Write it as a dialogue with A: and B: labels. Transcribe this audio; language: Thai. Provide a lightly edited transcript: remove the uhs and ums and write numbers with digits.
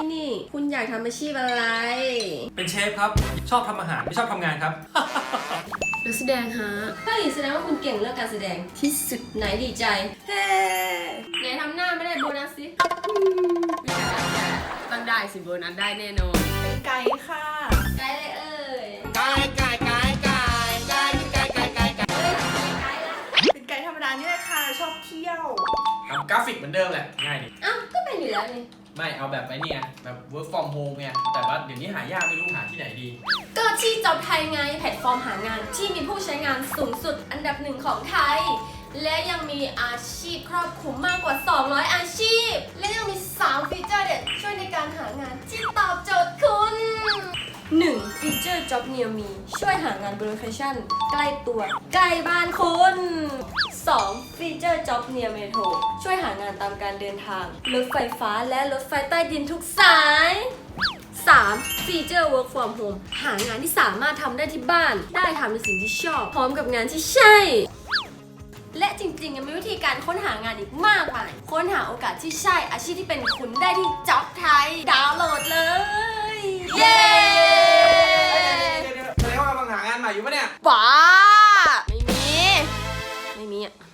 A: นี่คุณอยากทำอาชีพอะไร
B: เป็นเชฟครับชอบทำอาหารไม่ชอบทำงานครับ
A: นักแสดงฮะเฮ้ยแสดงว่าคุณเก่งเรื่องการแสดงที่สุดไหนดีใจเฮ้ไหนทำหน้าไม่ได้โบนัสสิ
C: ต้องได้สิโบนัสได้แน่นอน
D: เป็นไก่ค่ะ
A: ไกด์เลยเอ้ย
E: ไก่ไก่ไก่ไก่ไก่ไก่ไก่ไก่ไก่
A: เฮ้ยไกด์ละ
D: เป็นไก่ธรรมดานี่แหละค่ะ ชอบเที่ยว
B: ทำกราฟิกเหมือนเดิมแหละง่ายดิ
A: อ้าวก็เป็นอยู่แล้วนี่
B: ไม่เอาแบบไอ้นี่ไงแบบ work from home ไงแต่ว่าเดี๋ยวนี้หายากไม่รู้หาที่ไหนดี
A: ก็ที่จ็อบไทยไงแพลตฟอร์มหางานที่มีผู้ใช้งานสูงสุดอันดับ1ของไทย และยังมีอาชีพครอบคลุมมากกว่า 200 อาชีพ และยังมี 3 ฟีเจอร์เด็ดช่วยในการหางานที่ตอบโจทย์คุณ 1. ฟีเจอร์ Job Near Me ช่วยหางานบนโลเคชั่นใกล้ตัวใกล้บ้านคุณ 2. ฟีเจอร์ Job Near Metro ช่วยหางานตามการเดินทางรถไฟฟ้าและรถไฟใต้ดินทุกสาย 3. ฟีเจอร์ Work from Home หางานที่สามารถทำได้ที่บ้าน ได้ทำในสิ่งที่ชอบ พร้อมกับงานที่ใช่ และจริงๆยังมีวิธีการค้นหางานอีกมากมาย ค้นหาโอกาสที่ใช่ อาชีพที่เป็นคุณได้ที่จ็อบไทย ดาวน์โหลดเลย เย้